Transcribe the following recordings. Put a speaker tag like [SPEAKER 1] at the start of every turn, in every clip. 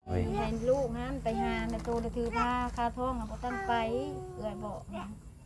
[SPEAKER 1] ให้ลูกนั้นไปหาในตัวถือผ้าคาท้องบ่ตั้งไปเอื้อยบอกก็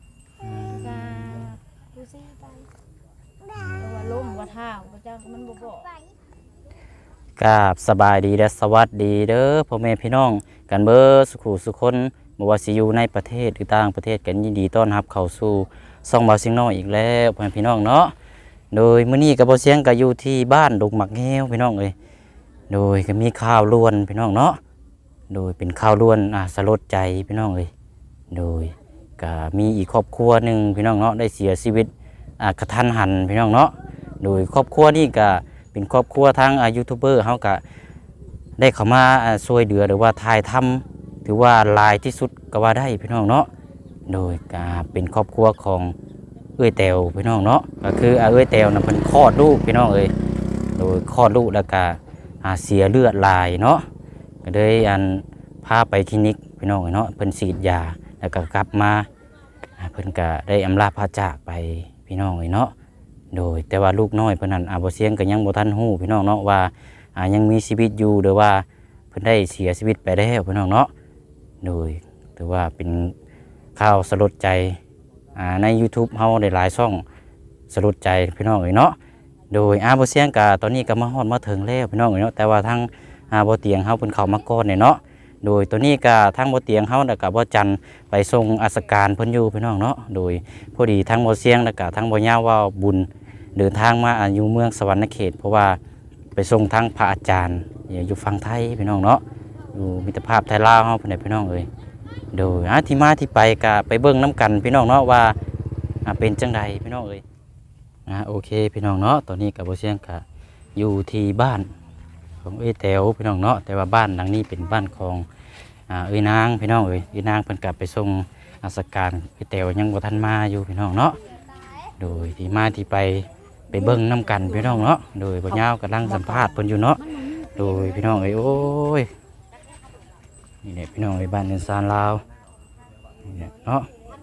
[SPEAKER 1] ดูสิไปว่าล้มว่าเท้าพระเจ้ามันบ่บอก
[SPEAKER 2] กราบสบายดีและสวัสดีเด้อพ่อแม่พี่น้องกันเบิดสุขุสุคนบ่ว่าสิอยู่ในประเทศหรือต่างประเทศกันยินดีต้อนรับเข้าสู่ช่องเบาเสียงน้อยอีกแล้วพ่อแม่พี่น้องเนาะโดยมื้อนี้ก็บ่เสียงก็อยู่ที่บ้านดงหมักแง้วพี่น้องเอ้ยโดยก็มีข่าวล้วนพี่น้องเนาะโดยเป็นข่าวล้วนสลดใจพี่น้องเอ้ยโดยก็มีอีกครอบครัวหนึงพี่น้องเนาะได้เสียชีวิตกระทันหันพี่น้องเนาะโดยครอบครัวนี้ก็เป็นครอบครัวทางยูทูบเบอร์เขาก็ได้เข้ามาช่วยเหลือหรือว่าถ่ายทำถือว่าหลายที่สุดก็ว่าได้พี่น้องเนาะโดยก็เป็นครอบครัวของเอ้ยแตวพี่น้องเนาะก็คือเอ้ยแตวน่ะเพิ่นคลอดลูกพี่น้องเอ้ยโดยคลอดลูกแล้วก็เสียเลือดหลายเนาะก็เลยพาไปคลินิกพี่น้องเนาะเพิ่นฉีดยาแล้วก็กลับมาเพิ่นก็ได้อำลาพระจากไปพี่น้องเนาะโดยแต่ว่าลูกน้อยเพิ่นนั้นบ่เสียงก็ยังบ่ทันฮู้พี่น้องเนาะว่ายังมีชีวิตอยู่หรือว่าเพิ่นได้เสียชีวิตไปแล้วพี่น้องเนาะโดยถือว่าเป็นข่าวสลดใจใน YouTube เฮาได้หลายช่องสลดใจพี่น้องเนาะโดยบ่เสียงก็ตอนนี้ก็มาฮอดมาถึงแล้วพี่น้องเนาะแต่ว่าทางบ่เตียงเฮาเพิ่นเข้ามาก่อนเนาะโดยตัวนี้ก็ทางบ่เตียงเฮาแล้วก็บ่จันไปส่งราชการเพิ่นอยู่พี่น้องเนาะโดยพอดีทางบ่เสียงแล้วก็ทางบ่ยาวว่าบุญเดินทางมาอยู่เมืองสวรรณเขตเพราะว่าไปส่งทางพระอาจารย์อยู่ฝั่งไทยพี่น้องเนาะอยู่มิตรภาพไทยลาวเฮาเพิ่นพี่น้องเอ้ยโดยที่มาที่ไปก็ไปเบิ่งน้ำกันพี่น้องเนาะว่าเป็นจังใดพี่น้องเอ้ยโอเคพี่น้องเนาะตอนนี้ก็บ่เสียงก็อยู่ที่บ้านของเอ้ยแต๋วพี่น้องเนาะแต่ว่าบ้านหลังนี้เป็นบ้านของเอ้ยนางพี่น้องเอ้ยนางเพิ่นกลับไปส่งราชการเอ้ยแต๋วยังบ่ทันมาอยู่พี่น้องเนาะโดยที่มาที่ไปเบิ่งน้ำกันพี่น้องเนาะโดยบ่ยาวกำลังสัมภาษณ์เพิ่นอยู่เนาะโดยพี่น้องเอ้ยโอ้ยนี่แหละพี่น้องเอ้ยบ้านเรือนซานลาวนี่แหละเนาะ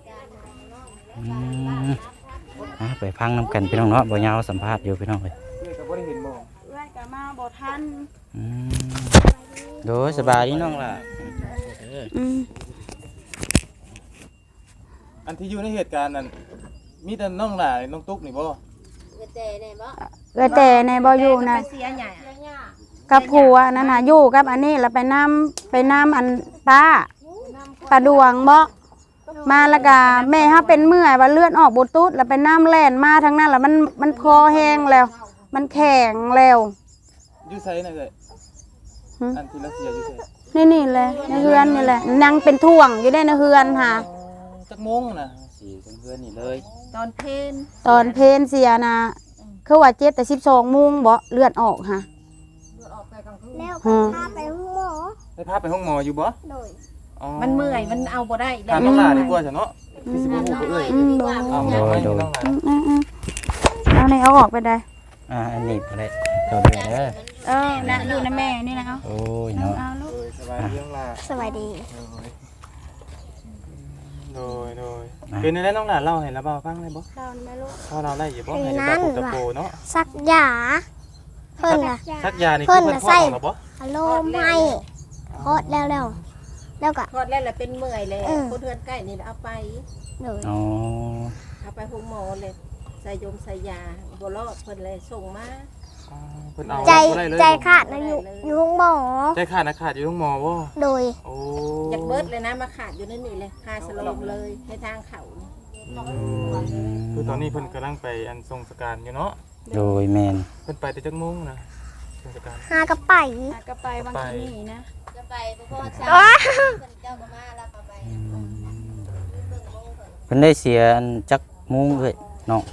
[SPEAKER 2] ไปฟังน้ำกันพี่น้องเนาะบ่ยาวสัมภาษณ์อยู่พี่น้องเอ้ย
[SPEAKER 1] ก็มาบ่ทัน
[SPEAKER 2] โดยสบายดีน้องล่ะ
[SPEAKER 3] อันที่อยู่ในเหตุการณ์นั้นมีแต่น้องหล่าน้องตุ๊กนี่บ่
[SPEAKER 1] เแต่ในบ่
[SPEAKER 4] อยู่นะกับผัวนั่นน่ะอยู่กับอันนี้แล้วไปน้ำอันป้าดวงบ่มาแล้วก็แม่เฮาเป็นเมื่อยว่าเลือดออกบ่ตุ๊ดแล้วไปน้ำแล่นมาทั้งนั้นแล้วมันคอแห้งแล้วมันแข็งแล้ว
[SPEAKER 3] อยู่ไสน่ะเอ้ยอันที่รัสเซียอยู่ไส
[SPEAKER 4] นี่แหละในเฮือนนี่แหละยังเป็นท่วงอยู่ได้ในเฮือนค่ะ
[SPEAKER 3] จักโมงน่ะสิเฮือนนี่เลย
[SPEAKER 1] ตอน
[SPEAKER 4] เพนเสียนะคือว่าเจ็บแต่12 โมงบ่เลือดออกค่ะ
[SPEAKER 5] แล้วพาไปห้องหมอ
[SPEAKER 3] ได้พาไปห้องหมออยู่บ่
[SPEAKER 5] โดย
[SPEAKER 1] มันเมื่อยมันเอาบ่ได้
[SPEAKER 3] ถามน้องหล่าดีกว่าจ้ะเนาะพี่สิบ่ฮู้เอ้ยเอา
[SPEAKER 4] เอาออกไปได้
[SPEAKER 2] อันนี้บ่ได้ตัวเดียวเด้อ
[SPEAKER 4] นะอยู่นะแม่นี่นะ
[SPEAKER 2] โอ้ยเนาะ
[SPEAKER 3] สบายดีน้องหล่า
[SPEAKER 5] สวัสดี
[SPEAKER 3] โดยเป็นได้น้องหล่าเล่าให้ระบาฟังได้บ่
[SPEAKER 5] เล่าแม่ลูก
[SPEAKER 3] พอเราได้อยู่บ่ให้ระบาพูดตะโกเนาะ
[SPEAKER 5] ซักยาเพิ่นน่ะ
[SPEAKER 3] ซักยานี่คือเพิ่นพ่อของเราบ่
[SPEAKER 5] ฮัลโหลไม่คลอดแล้วก็
[SPEAKER 1] คลอดแล้วเป็นเมื่อยเลยคนเฮือนใกล้นี่เอาไป
[SPEAKER 5] เลย
[SPEAKER 1] เอาไปห้องหมอเลยใส่ยาบ่รอดเพิ่นเลยส่งมา
[SPEAKER 3] เพิ่นเอา
[SPEAKER 5] ใจขาดนะอยู่ห้องหมอ
[SPEAKER 3] ใจขาดอยู่ห้องหมอบ่
[SPEAKER 5] โดย
[SPEAKER 1] อยากเบิดเลยนะมาขาดอยู่นั่นนี่เลยคาสลบเลยในทางเขา
[SPEAKER 3] คือตอนนี้เพิ่นกำลังไปอันทรงสการอยู่เนาะ
[SPEAKER 2] โดยแม่น
[SPEAKER 3] เพิ่นไปแต่จักโมงนะทรงสการ
[SPEAKER 5] หาก็ไป
[SPEAKER 1] บางทีนี่นะ
[SPEAKER 5] จะไปพ่อช้าเพิ่นเจ้าก็มาแล้วก็ไป
[SPEAKER 2] เพิ่นได้เสียจักโมงเอ้ยน้อง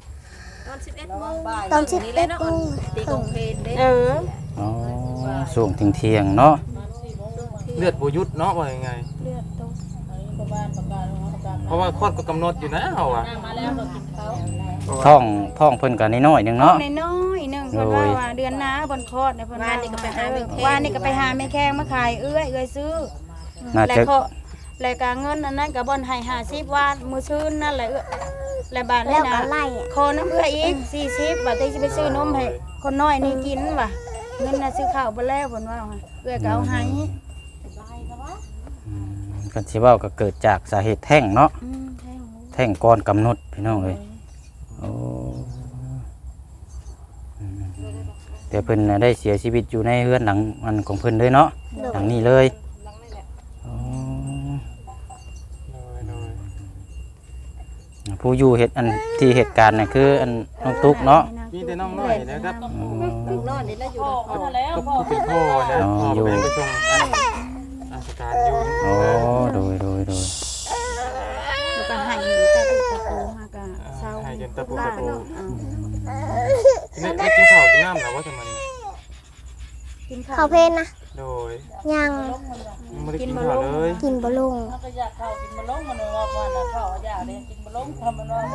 [SPEAKER 5] ตอน11 โมง
[SPEAKER 1] ตีกงเพลเด้
[SPEAKER 2] ช่วงเที่ยงเนาะ
[SPEAKER 3] เลือดบ่หยุดเนาะว่ายังไง
[SPEAKER 1] เลือดตก
[SPEAKER 3] เพราะว่าคลอดก็กำหนดอยู่นะเฮาอ่ะ
[SPEAKER 2] ท้องเพิ่นก็น้อยๆนึงเนาะ
[SPEAKER 4] น้อยๆนึงเพิ่นว่าเดือนหน้าเพิ่นคลอดเนี่ยเพิ่น
[SPEAKER 1] ว่านี่ก็ไปหาแม่แข้ง
[SPEAKER 4] ว่านี่ก็ไปหาแม่แข้งมาขายเอื้อยซื้อแล้วก็เงินอันนั้นก็บ่นให้50 บาทมื้อซื่นนั่นแหละแล้วบาทนี้นะขอน้ำเอื้อยอีก40 บาทที่สิไปซื้อนมให้คนน้อยนี่กินว่ะเงินน่ะซื้อข้าวบ่แล้วเพิ่นว่าเอื้อยก็เอาให้
[SPEAKER 2] กันสิเว้าก็เกิดจากสาเหตุแท้งเนาะ
[SPEAKER 4] แท้ง
[SPEAKER 2] แท่งก่อนกำหนดพี่น้องเลยโอ้แต่เพิ่นน่ะได้เสียชีวิตอยู่ในเรือนหลังอันของเพิ่นเลยเนาะหลังนี้เลยอ๋อ
[SPEAKER 3] โดย
[SPEAKER 2] ผู้อยู่เหตุอันที่เหตุการณ์น่ะคืออันน้องตุ๊กเนาะ
[SPEAKER 3] มีแต่น้องน้อยนะครับ
[SPEAKER 2] อ๋อ
[SPEAKER 1] ลูกนอนนี่แล้วอยู่กับพ่อ
[SPEAKER 3] ก็ผู้เป็นพ่อนะพ่อไปไปส่งราชการอยู่
[SPEAKER 2] โอ้โดย
[SPEAKER 4] แล้วก็ให้ตะตุตะโตหากะเช้า
[SPEAKER 3] ให้จนตะปูตะปู
[SPEAKER 4] เอา
[SPEAKER 3] ไม่กินข้าวกินน้ำหรอว่าทำไม
[SPEAKER 4] กิน
[SPEAKER 5] เขา
[SPEAKER 4] ข้าว
[SPEAKER 5] เพนนะ
[SPEAKER 3] โดย
[SPEAKER 5] ยัง
[SPEAKER 3] ไม่ได้กินข้าวเลย
[SPEAKER 5] กินบะลง
[SPEAKER 6] ก็อยากเข้ากินบะล้งมันว่าว่าน่ะเข้าอยากเลยกินบะล้งทำมันว่า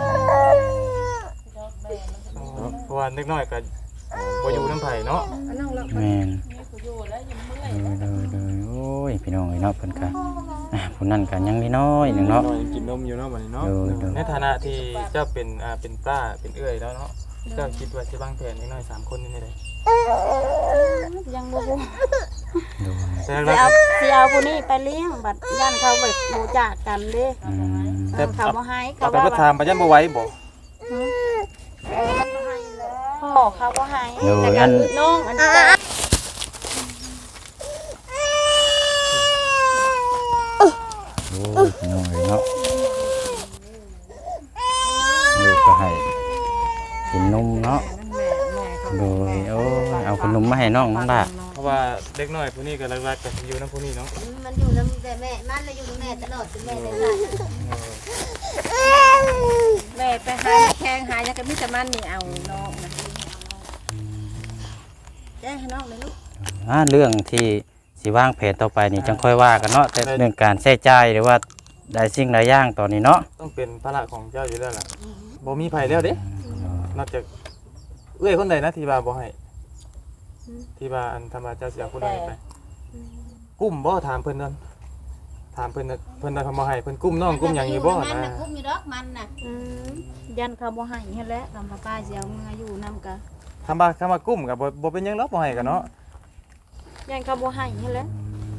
[SPEAKER 3] เพราะว่าเล็กน้อยก็บ่อยู่น้ำไผ่เนาะ
[SPEAKER 1] น้องเรา
[SPEAKER 2] แม่น
[SPEAKER 6] มีกูอยู่แล้วยังเมื่อย
[SPEAKER 2] โดยโอ้ยพี่น้องเอ้ยเนาะเพิ่นก็ผู้นั้นก็ยังนิดน้อยหนึงเนาะ
[SPEAKER 3] น้อยกินนมอยู่เนาะวันนี้เนาะ
[SPEAKER 2] โดย
[SPEAKER 3] ในฐานะที่เจ้าเป็นป้าเป็นเอื้อยแล้วเนาะเจ้าคิดว่าจะวางแผนเล็กน้อย3คนนี่ได้
[SPEAKER 4] ยังบ่ฮู้
[SPEAKER 2] โดย
[SPEAKER 3] แต่
[SPEAKER 4] สิ
[SPEAKER 3] แรก
[SPEAKER 4] เอาสิเอาผู้นี้ไปเลี้ยงบัดย่านเขาแบบรู้จักกันเด้
[SPEAKER 2] อืม
[SPEAKER 4] เขาบ่ให้
[SPEAKER 3] เอา
[SPEAKER 4] เขา
[SPEAKER 3] ไป
[SPEAKER 4] ว่า
[SPEAKER 3] ประทานไปยันบ่ไหว้บ่
[SPEAKER 4] พ่อเขาบ่ให้
[SPEAKER 2] โด
[SPEAKER 4] แต่
[SPEAKER 2] ย
[SPEAKER 4] กั
[SPEAKER 2] อั
[SPEAKER 4] น
[SPEAKER 2] น
[SPEAKER 4] น้องอันนี้
[SPEAKER 2] โอ้ยพี่น้องเอ้ยเนาะลูกก็ให้กินนมเนาะ โดยโอ้ยเอาขนมมาให้น้องน้องล่ะ
[SPEAKER 3] เพราะว่าเด็กน้อยผู้นี้ก็รักๆกับอยู่น้ำผู้นี้เนาะ
[SPEAKER 5] มันอยู่น้ำแต่แม่มันเลยอยู่น้ำแม่ตลอดจนแม่ได้ค่ะ
[SPEAKER 1] แม่ไปหาแข้งหายังก็มีแต่มันนี่เอาน้องนะแจ้งให้น้องเลยลูก
[SPEAKER 2] เรื่องที่สิวางแผนต่อไปนี่จังค่อยว่ากันเนาะแต่เรื่องการใช้จ่ายหรือว่าได้สิ่งใดอย่างตอนนี้เนาะ
[SPEAKER 3] ต้องเป็นภาระของเจ้าอยู่แล้วล่ะบ่มีไผแล้วเด้นอกจากเอื้อยคนใดนะที่ว่าบ่ให้ที่ว่าอันธรรมเจ้าเสียคนใดไปกุ้มบ่ถามเพิ่นนั่นถามเพิ่นน่ะเพิ่นได้คำบ่ให้เพิ่นกุ้มน้องกุ้มหยังอยู่บ่
[SPEAKER 5] มัน
[SPEAKER 3] นะ
[SPEAKER 5] น่ะกุ้มอยู่ดอกมันน่ะ
[SPEAKER 4] ยันเขาบ่ให้เฮ็ดแล้วทำป้าสิเอาเงินอยู่นำกะ
[SPEAKER 3] คำว่ากุ้มก็บ่เป็นหยังหรอกบ่ให้กันเนาะ
[SPEAKER 4] ยันเขาบ่ให้เฮ็ดแล้ว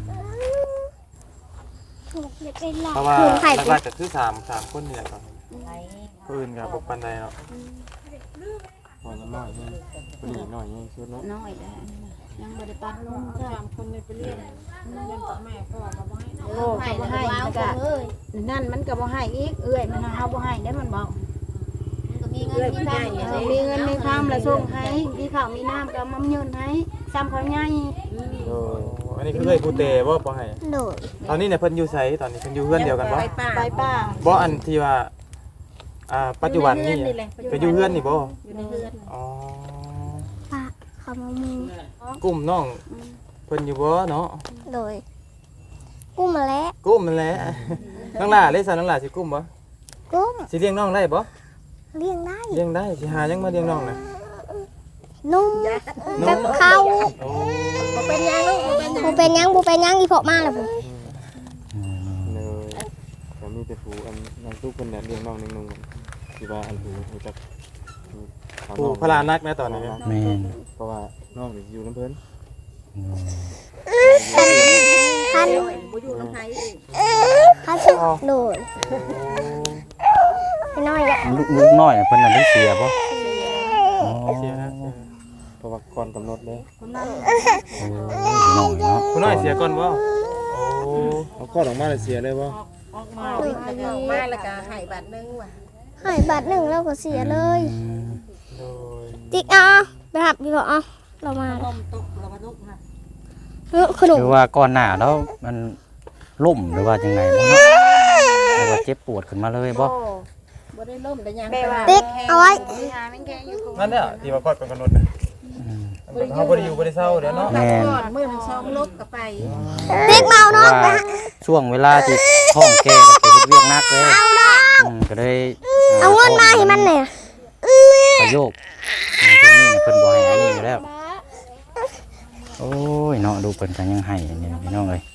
[SPEAKER 5] เด็กเป็นหลอก
[SPEAKER 3] เพราะว่า
[SPEAKER 5] คือไข่
[SPEAKER 3] หลักๆก็คือ3คนนี่แหละครับผู้อื่นก็บ่ปานใดเนาะบ่น้อยๆนี่ผู้นี้น้อยนี่สุดเนาะ
[SPEAKER 4] น้อยแล้วยังบ่ได้ปัดลงจ้ะ
[SPEAKER 6] คนในไปเรียนยังต่อแม่พ่อก็บ่ให้
[SPEAKER 4] โอ้ก็บ่ให้มันก็นั่นมันก็บ่ให้อีกเอื้อยมันเฮาบ่ให้ได้มันบอก
[SPEAKER 5] ก็มีเงินมีทาง
[SPEAKER 4] มีเงินมีคำแล้วส่งให้มีข้าวมีน้ำก็มายืนให้ซ้ำเขาใหญ่
[SPEAKER 3] โอ้อันนี้คือเอ้ยผู้เตบ่บ่ให้
[SPEAKER 5] โดด
[SPEAKER 3] ตอนนี้เนี่ยเพิ่นอยู่ไสตอนนี้เพิ่นอยู่เฮือนเดียวกันบ่
[SPEAKER 1] ไปป่า
[SPEAKER 4] ไปป้า
[SPEAKER 3] บ่อันที่ว่าปัจจุบันนี่ก็อยู่เฮือนนี่บ่
[SPEAKER 1] อยู่ในเรือน
[SPEAKER 3] อ๋อ
[SPEAKER 5] ปะเขามามู
[SPEAKER 3] กุ้มน้องเพิ่นอยู่บ่เนาะ
[SPEAKER 5] โดยกุ้มมาแล้ว
[SPEAKER 3] กุ้มนั่นแหละน้องหล่าเลยซะน้องหล่าสิกุ้มบ่
[SPEAKER 5] กุ้ม
[SPEAKER 3] สิเลี้ยงน้องได้บ่
[SPEAKER 5] เลี้ยงได้
[SPEAKER 3] เลี้ยงได้สิหายังมาเลี้ยงน้องน่ะ
[SPEAKER 5] นุ่ม
[SPEAKER 3] น้
[SPEAKER 5] กั
[SPEAKER 3] อบ ง
[SPEAKER 5] ข้าว
[SPEAKER 3] โอ้
[SPEAKER 1] บ่เป็นหยังลูกบ่เป็นหยัง
[SPEAKER 5] บูเป็นยังบูเป็นยังอีพอมาแล้วบู
[SPEAKER 3] เลยก็มีแต่ผู้อันนางทุกเพิ่นน่ะเลี้ยงน้องนึงที่ว่าอันผู้จักผู้พลานักนะตอนนี้
[SPEAKER 2] แม่น
[SPEAKER 3] เพราะว่าน้องอยู่น้ำเพิ่น
[SPEAKER 5] คัน
[SPEAKER 1] บ่อยู่น้ำไผอีก
[SPEAKER 5] คันสุดโดดพี่น้อยอะ
[SPEAKER 2] ลูกน้อยน่ะเพิ่นน่ะได้เสียบ่อ๋อ
[SPEAKER 3] เสียนะเพราะว่าก่อนกำหนดเลย
[SPEAKER 2] พี่น้องเนาะ
[SPEAKER 3] ผู้น้อยเสียก่อนบ่โอ้เอาก่อนออกมาเลยเสียเลยบ่
[SPEAKER 1] ออกมาแล้วก็ให้บาทนึงว่ะ
[SPEAKER 5] หายบาทหนึ่งแล้วก็เสียเลย
[SPEAKER 3] โดย
[SPEAKER 5] ติ๊กอ่ะไปหับพี่พออ่ะเรามา
[SPEAKER 1] ต้มตกเรามาลุกค่ะ
[SPEAKER 5] ขนม
[SPEAKER 2] คือว่าก่อนหน้าแล้วมันล่มหรือว่าจังไงบ่เนาะหรือว่าเจ็บปวดขึ้นมาเลยบ่
[SPEAKER 1] บ่ได้ล่มแต่ยัง
[SPEAKER 5] ติ๊กเอาไว้
[SPEAKER 4] หาแม่งแกอยู่
[SPEAKER 3] นั่นเนี่ยที่ว่าก่อนกำหนดน่ะเขาบ่ได้อยู่บ่ได้เศร้าเดี๋ยวเนาะ
[SPEAKER 2] แม่น
[SPEAKER 1] ก่อนมื้อนึงซ้อมลบก็ไป
[SPEAKER 5] ติ๊กเมา
[SPEAKER 2] เพ
[SPEAKER 5] เนาะ
[SPEAKER 2] ราะว่าช่วงเวลาที่ท้องแก่ก็ไปเฮ็ดเวียกหนักเลยก็เลย
[SPEAKER 5] เอาเงินมาให้มันเนี่ย
[SPEAKER 2] ประโยคช่วงนี้เนี่ยเพิ่นบ่ให้อันนี้อยู่แล้ว โอ้ยเนาะดูเพิ่นก็ยังให้นี่พี่น้องเอ้ย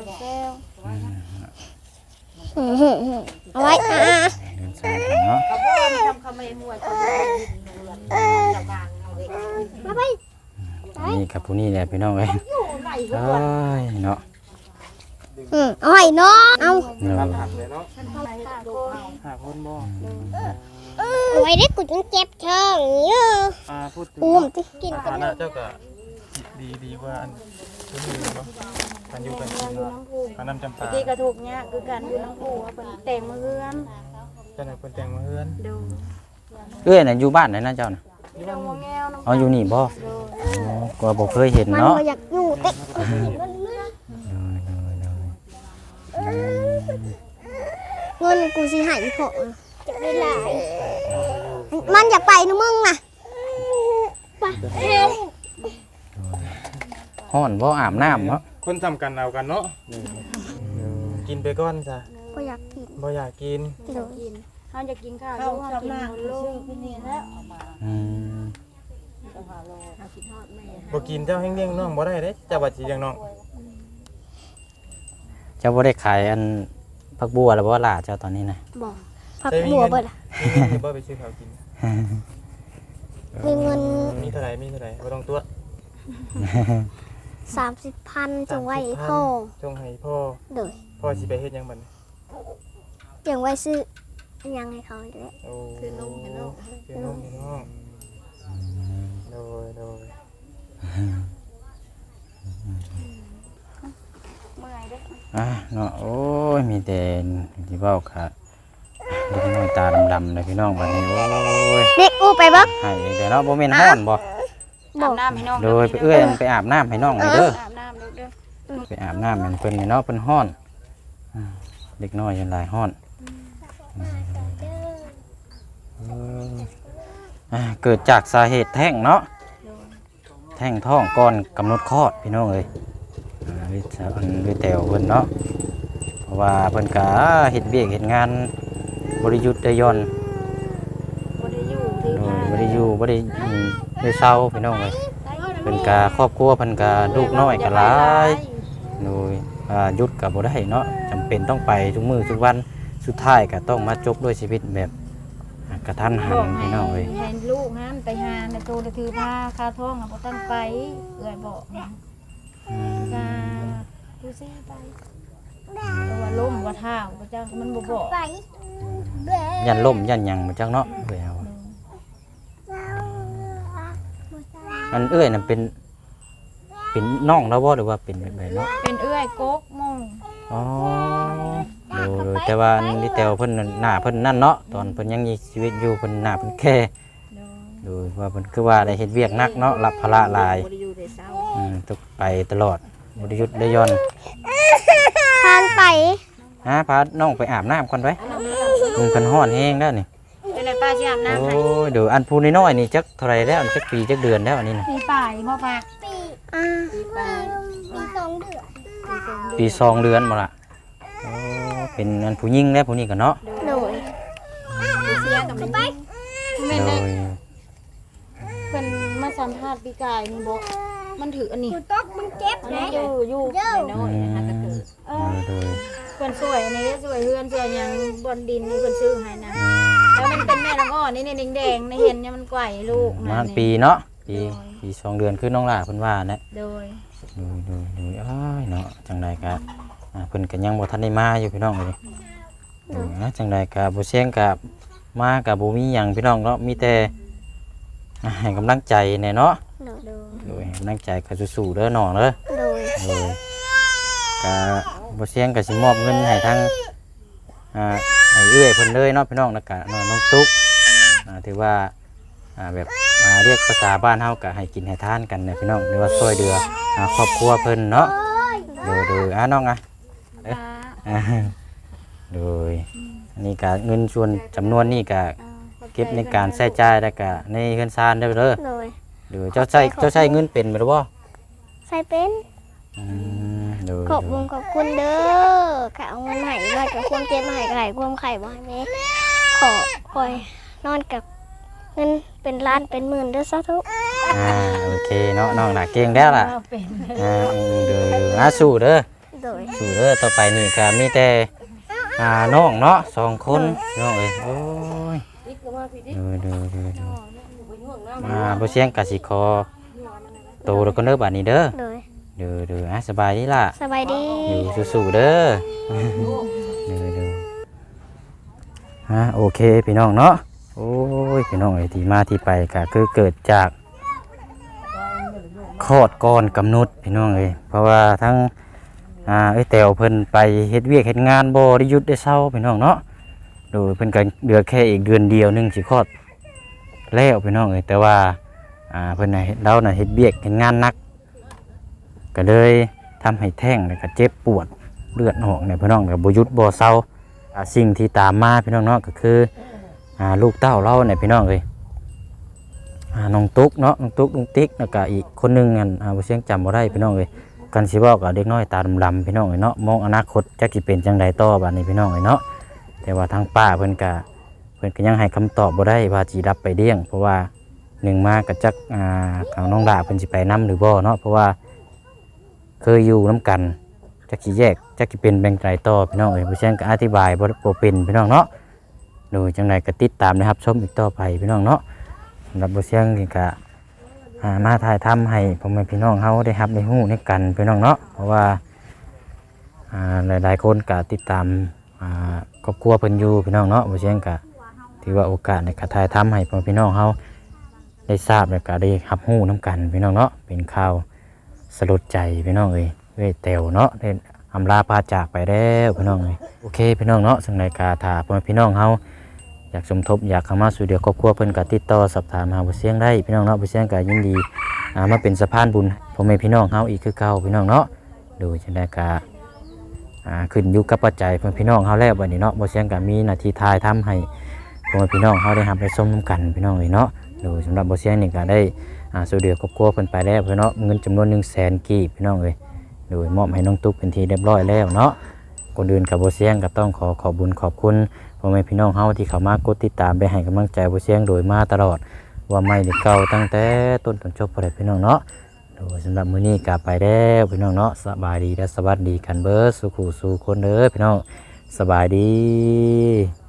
[SPEAKER 5] เอาไว้อ่ะ
[SPEAKER 2] เดินสายกันเนาะ
[SPEAKER 1] เขาบ่ทำเขาไม่หัวเขา
[SPEAKER 5] มาไป
[SPEAKER 2] นี่กับผู้นี้แหละพี่น้องเอ้ยเอ้ยเนาะ
[SPEAKER 5] เอาให้น้องเอา
[SPEAKER 2] เนาะ
[SPEAKER 3] หักเลยเนาะหาคนบ่
[SPEAKER 5] เอาไว้ได้กูจนเจ็บท้องเยอะ
[SPEAKER 3] พูดถึง
[SPEAKER 5] อุ้มติกิน
[SPEAKER 3] ฐานะเจ้าก็ดีกว่าอันคนอื่นบ่กันอยู่กันกินว่าอันน้ำจำปา
[SPEAKER 4] ที่กระถูกเนี่ยคือการอยู่น้ำปูว่าเป็นแต่งมือเฮือน
[SPEAKER 3] เจ้าไหนคนแต่งมาเฮือน
[SPEAKER 4] ดู
[SPEAKER 2] เอ้ยน่ะอยู่บ้านไหนนะเจ้าน่ะ
[SPEAKER 4] อยู่น้ำหัวแก้วน้ำ
[SPEAKER 2] อ๋ออยู่นี่บ่อ๋อก็บ่เคยเห็น
[SPEAKER 5] มัน
[SPEAKER 2] เนาะ
[SPEAKER 5] บ่อยากอยู่เต็เงินกูสิใหายพอจะได้หลายมันอยากไปนะมึงน่ะไป
[SPEAKER 2] ฮ้อนบ่อาบน้ำเนาะ
[SPEAKER 3] คนทำกันเอากันเนาะกินไปก่อนจ้ะ
[SPEAKER 5] บ่อยากกิน
[SPEAKER 3] บ่อยากกิน
[SPEAKER 5] เดี๋ยว
[SPEAKER 4] เขาจะกินข้าว
[SPEAKER 6] เข้า
[SPEAKER 4] เขา
[SPEAKER 6] กับ
[SPEAKER 4] กิน
[SPEAKER 6] นาง
[SPEAKER 4] หมด
[SPEAKER 6] ซื้
[SPEAKER 4] ลู
[SPEAKER 6] อก พี่นี่แล้วเอามา
[SPEAKER 2] อืม
[SPEAKER 4] เขาคิดทอดแม่
[SPEAKER 3] บ่กินเจ้าแห้งเลี้ยงน้องบ่ได้เด้เจ้าบัดสิเลี้ยงน้อง
[SPEAKER 2] เจ้าบ่ได้ขายอันผักบัวแล้วบ่ล่ะเจ้าตอนนี้นะ
[SPEAKER 5] บอกผักบัวเบิดอะ
[SPEAKER 3] มีเงินสิบ่ไปซื้อข้าวกิน
[SPEAKER 5] มีเงิน
[SPEAKER 3] มีเท่าไหร่บ่ต้องตรวจ
[SPEAKER 5] 30,000จงไว้ให้พ่อ
[SPEAKER 3] จงให้พ่อ
[SPEAKER 5] เด้อ
[SPEAKER 3] พ่อสิไปเฮ็ดหยังบัดนี้
[SPEAKER 5] เก็บไว้ซื้อยังให้เขาอยู่แล้ว
[SPEAKER 3] โอ้
[SPEAKER 1] คือนมให้น้อง
[SPEAKER 3] คือนมให้น้องโดย
[SPEAKER 4] เมื่อยเด้อ
[SPEAKER 2] อ่ะเนาะโอ้ยมีแต่ที่เว้าค่ะเด็กน้อยตาดำๆเลยพี่น้องบัดนี้โอ้ย
[SPEAKER 5] เด็กอู้ไปบ่
[SPEAKER 2] ให้แต่เนาะบ่แม่นฮ้อนบ่
[SPEAKER 4] อาบน้ำให้น้อง
[SPEAKER 2] โดยไปเอื้อยไปอาบน้ำให้น้องเลยเด้อ
[SPEAKER 4] อาบน้ำเด้อ
[SPEAKER 2] ไปอาบน้ำให้เพิ่นนี่เนาะเพิ่นฮ้อนเด็กน้อยยังหลายฮ้อนเกิดจากสาเหตุแท้งเนาะแท้งท้องก่อนกำหนดคลอดพี่น้องเอ้ยวิแตวเพิ่นเนาะเพราะว่าเพิ่นก็เฮ็ดเวียกเฮ็ดงานบ่ได้หยุดได้หย่อน
[SPEAKER 4] บ่ได้อยู่ที่
[SPEAKER 2] โด
[SPEAKER 4] บ้ายน
[SPEAKER 2] บ่ได้อยู่บ่ได้ได้เศร้าพี่น้องเอ้ยเพิ่นก็ครอบครัวเพิ่นก็ลูกน้อยก็หลายโดยหยุดก็บ่ได้เนาะจำเป็นต้องไปทุกมื้อทุกวันสุดท้ายก็ต้องมาจบด้วยชีวิตแบบกระทันหั
[SPEAKER 4] บอน ก
[SPEAKER 2] พี่น้องเอ้ย
[SPEAKER 4] ให้ลูกนั้นไปหาในโตถือผ้าคาท้องบ่ต้องไปเอื้อยบอกนะ
[SPEAKER 2] อืม
[SPEAKER 4] กาดูสิไปแต่ว่าล้มว่าเท้าพระเจ้ามันบ่บอก
[SPEAKER 5] ไป
[SPEAKER 2] ยันล่มยันหยังมาจักเนาะเอ้ยเอาอันเอ้ยน่ะเป็นน้องแล้วบ่หรือว่าเป็นแบบไหนเนาะ
[SPEAKER 4] เป็นเอื้อยโก๊กมง
[SPEAKER 2] อ๋อโดยแต่ว่าอันนี่แต่ว่าเพิ่นน่ะหน้าเพิ่นนั่นเนาะตอนเพิ่นยังมีชีวิตอยู่เพิ่นหน้าเพิ่นแค่โดยว่าเพิ่นคือว่าได้เฮ็ดเวียกหนักเนาะรับภาระหลาย
[SPEAKER 1] บ่ได้อยู่แต่เช้า
[SPEAKER 2] ต้องไปตลอดบ่ได้หยุดได้หย่อน
[SPEAKER 5] ทานไป
[SPEAKER 2] พาน้องไปอาบน้ำก่อนไว้มึงเพิ่นฮ้อนแฮงแล้วนี่
[SPEAKER 4] เป็นไรป้าสิอาบน้ำ
[SPEAKER 2] โอ้
[SPEAKER 4] ให้
[SPEAKER 2] ยเดี๋ยวอันผู้น้อยๆนี่จักเท่าไหร่แล้วจักปีจักเดือนแล้วอันนี้น่ะ
[SPEAKER 4] มีป่ายบ่ปะ
[SPEAKER 5] ปี2 เดือน
[SPEAKER 2] ปี2 เดือนบ่ล่ะโอ้เป็นอันผู้หญิงแล้วผู้นี้ก็เนาะ
[SPEAKER 5] โดย
[SPEAKER 1] เสียกับมัน
[SPEAKER 4] แม่น
[SPEAKER 2] โด
[SPEAKER 4] ได้
[SPEAKER 2] ย
[SPEAKER 4] เพิ่นมาสัมภาษณ์ปีกายนี่บ่มันถืออันนี้
[SPEAKER 5] ตกมันเจ็บ
[SPEAKER 4] อัน
[SPEAKER 5] นะ
[SPEAKER 4] นี้อยู่
[SPEAKER 1] น้อยๆหากระเกิด
[SPEAKER 2] โดย
[SPEAKER 4] เพิ่นสวยอันนี้สวยเฮือนสวยหยังบนดินนี่เพิ่นซื้อให้นะแล้วมันเป็นแม่น้องอ้อนี่นี่แดงๆนี่เห็นเนี่ยมันไกวลูก
[SPEAKER 2] ประมาณปีเนาะปี2 เดือนคือน้องหล่าเพิ่นว่านะ
[SPEAKER 4] โดย
[SPEAKER 2] ดูอ้ายเนาะจังไดก็เพิ่นก็ยังบ่ทันได้มาอยู่พี่น้องเอ้ยจังไดก็บ่เสียงก็มาก็บ่มีหยังพี่น้องเนาะมีแต่ให้กำลังใจแน่เนาะ
[SPEAKER 5] โดย
[SPEAKER 2] โดยให้กำลังใจก็สู้ๆเด้อน้องเด้อ
[SPEAKER 5] โดย
[SPEAKER 2] โดยก็บ่เสียงก็สิมอบเงินให้ทางให้เอื้อยเพิ่นเลยเนาะพี่น้องแล้วก็น้องตุ๊กถือว่าแบบเรียกภาษาบ้านเฮาก็ให้กินให้ทานกันนะพี่น้องหรือว่าช่วยเหลือครอบครัวเพิ่นเนาะโดยน้องโดยอันนี้ก็เงินส่วนจำนวนนี้ก็เก็บในการใช้จ่ายแล้วก็ในเงินซานเด้อ
[SPEAKER 5] โดย
[SPEAKER 2] โดยเจ้าใช้เงินเป็นบ่หรือบ่
[SPEAKER 5] ใส่เป็น
[SPEAKER 2] โดย
[SPEAKER 5] ขอบคุณเด้อค่ะเอาเงินใหายมากับความเจ็บมาใหายกับไหลความไข่บ่ให้แม่คอยนอนกับเงินเป็นล้านเป็นหมื่นเด้อสาธุ
[SPEAKER 2] โอเคเนาะน้องน่ะเก่งแล้วล่ะ
[SPEAKER 4] เป็น
[SPEAKER 2] โดยสู้เด้อ
[SPEAKER 5] โดย
[SPEAKER 2] สู้เด้อต่อไปนี่ก็มีแต่น้องเนาะ2 คนน้องเอ้ยโอ้ยโดยบ่เสียงกสิขอโตแล้วก็เด้อบัดนี้เด้อ
[SPEAKER 5] โดย
[SPEAKER 2] เด้อสบายดีล่ะ
[SPEAKER 5] สบายดี
[SPEAKER 2] อยู่สู้ๆเด้อ เด้อโอเคพี่น้องเนาะโอ้ยพี่น้องไอ้ที่มาที่ไปก็คือเกิดจากคลอดก่อนกำหนดพี่น้องเอ้ยเพราะว่าทั้งแต๋วเพิ่นไปเฮ็ดเวียกเฮ็ดงานบ่ได้หยุดได้เช้าพี่น้องเนาะโดยเพิ่นก็เหลือแค่อีกเดือนเดียวนึงสิคลอดแล้วพี่น้องเอ้ยแต่ว่าเพิ่นน่ะเราน่ะเฮ็ดเวียกเฮ็ดงานหนักก็เลยทำให้แท้งแล้วก็เจ็บปวดเลือดออกเนี่ยพี่น้องก็บ่หยุดบ่เศร้าสิ่งที่ตามมาพี่น้องเนาะก็คือลูกเต้าเราเนี่ยพี่น้องเอ้ยน้องตุ๊กเนาะน้องตุ๊กลุงติ๊กแล้วก็อีกคนหนึงอันบ่เสียงจำบ่ได้พี่น้องเอ้ยกันสิเว้ากับเด็กน้อยตาดำๆพี่น้องเอ้ยเนาะมองอนาคตจักสิเป็นจังไดต่อบัดนี้พี่น้องเอ้ยเนาะแต่ว่าทางป้าเพิ่นก็ยังให้คำตอบบ่ได้ว่าสิรับไปเลี้ยงเพราะว่าหนึ่งมาก็จักของน้องดาเพิ่นสิไปนํหรือบ่เนาะเพราะว่าเคยอยู่นํกันจักสิแยกจักสิเป็นแบ่งใจต่อพี่น้องเอ้ยบ่เสียงก็อธิบายบ่เป็นพี่น้องเนาะโดยจังไดก็ติดตามนะครับชมอีกต่อไปพี่น้องเนาะสำหรับบ่เสียงนี่ก็มาถ่ายทำให้พ่อแม่พี่น้องเฮาได้รับได้ฮู้ในกันพี่น้องเนาะเพราะว่าหลายๆคนก็ติดตามครอบครัวเพิ่นอยู่พี่น้องเนาะบ่เสียงก็ถือว่าโอกาสในการถ่ายทำให้พ่อแม่พี่น้องเฮาได้ทราบแล้วก็ได้รับรู้นํกันพี่น้องเนาะเป็นข่าวสลดใจพี่น้องเอ้ยแต๋วเนาะได้อำลาพาจากไปแล้วพี่น้องเอ้ยโอเคพี่น้องเนาะสำหรับการถ้าพ่อแม่พี่น้องเฮาอยากสมทบอยากเข้ามาสู่เดียวครอบครัวเพิ่นก็ติดต่อสอบถามหาบ่เสียงได้พี่น้องเนาะบ่เสียงก็ยินดีมาเป็นสะพานบุญพ่อแม่พี่น้องเฮาอีกคือเก่าพี่น้องเนาะโดยจังได๋ก็ขึ้นอยู่กับปัจจัยพ่อแม่พี่น้องเฮาแล้วบัดนี้เนาะบ่เสียงก็มีหน้าที่ทายทำให้พ่อแม่พี่น้องเฮาได้รับได้ชมนํกันพี่น้องเอ้ยเนาะโดยสำหรับบ่เสียงนี่ก็ได้สู่เดียวครอบครัวเพิ่นไปแล้วพี่เนาะเงินจำนวน 100,000 กีบพี่น้องเอ้ยโดยมอบให้น้องตุ๊กเป็นที่เรียบร้อยแล้วเนาะก่อนอื่นกับบ่เสียงก็ต้องขอบุญขอบคุณพ่อแม่พี่น้องเฮาที่เข้ามากดติดตามไปให้กำลังใจบ่เสียงโดยมาตลอดว่าไม่ได้เก่าตั้งแต่ต้นจนจบบ่ได้พี่น้องเนาะโดยสำหรับมื้อนี้ก็ไปแล้วพี่น้องเนาะสบายดีและสวัสดีกันเบิดสุขสู่คนเด้อพี่น้องสบายดี